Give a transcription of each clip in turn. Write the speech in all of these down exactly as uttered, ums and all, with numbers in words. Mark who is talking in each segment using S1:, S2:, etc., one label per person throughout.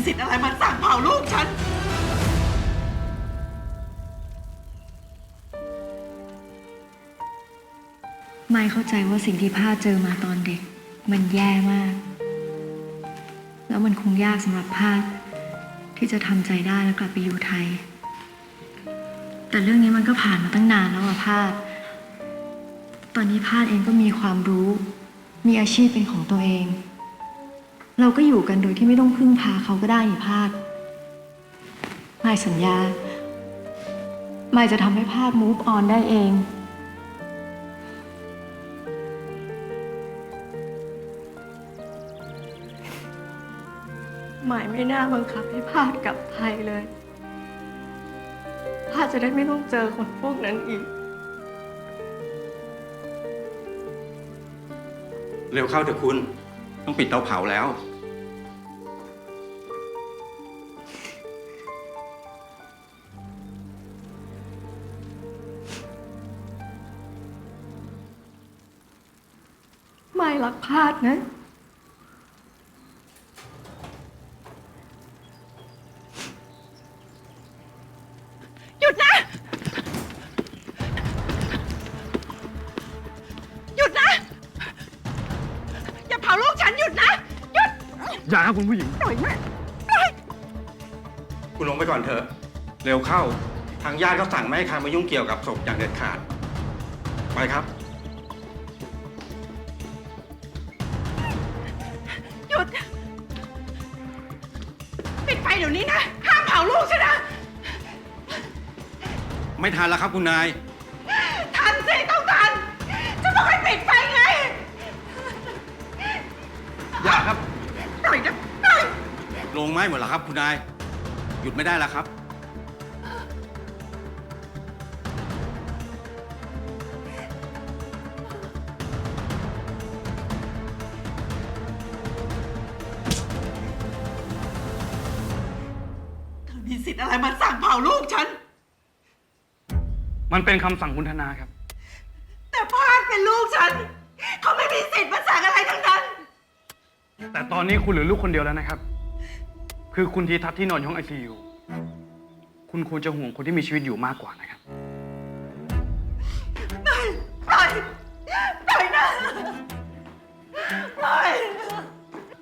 S1: สิทธิ์อะไรมาสั่งเผาลูกฉัน
S2: ไม่เข้าใจว่าสิ่งที่พาเจอมาตอนเด็กมันแย่มาก แล้วมันคงยากสำหรับพาที่จะทำใจได้แล้วกลับไปอยู่ไทย แต่เรื่องนี้มันก็ผ่านมาตั้งนานแล้วอะพาดตอนนี้พาดเองก็มีความรู้ มีอาชีพเป็นของตัวเอง เราก็อยู่กันโดยที่ไม่ต้องพึ่งพาเขาก็ได้นี่พาดไม่สัญญาไม่จะทำให้พาด move on ได้เองหมายไม่น่าบังคับให้พาดกลับไทยเลยพาดจะได้ไม่ต้องเจอคนพวกนั้นอีก
S3: เร็วเข้าเถอะคุณต้องปิดเตาเผาแล้ว
S2: ไม่รักพาดนะ
S1: หยุดนะหยุดนะอย่าเผาลูกฉันหยุดนะหยุด
S3: อย่าครับคุณผู้หญิง
S1: ปล่อยแม่
S3: คุณลงไปก่อนเถอะเร็วเข้าทางญาติเขาสั่งไม่ให้ใครมายุ่งเกี่ยวกับศพอย่างเด็ดขาดไปครับ
S1: หยุดปิดไฟเดี๋ยวนี้นะห้ามเผาลูกฉันนะ
S3: ไม่ทันแล้วครับคุณนาย
S1: ทันสิต้องทันจะบอกให้ปิดไฟไง
S3: อย่าครับ
S1: ปล่อยนะปล่อย
S3: ลงไม้หมดแล้วครับคุณนายหยุดไม่ได้แล้วครับ
S1: เธอมีสิทธิ์อะไรมาสั่งเผาลูกฉัน
S3: มันเป็นคำสั่งคุณธนาครับ
S1: แต่พาดเป็นลูกฉันเขาไม่มีสิทธิ์มาสั่งอะไรทั้งนั้น
S3: แต่ตอนนี้คุณเหลือลูกคนเดียวแล้วนะครับคือคุณทีทัศน์ที่นอนอยู่ห้องไอซียูคุณควรจะห่วงคนที่มีชีวิตอยู่มากกว่านะครับ
S1: ปล่อยปล่อยปล่อยนะปล่อย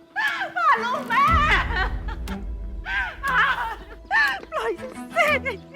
S1: พาลูกแม่ปล่อยสิ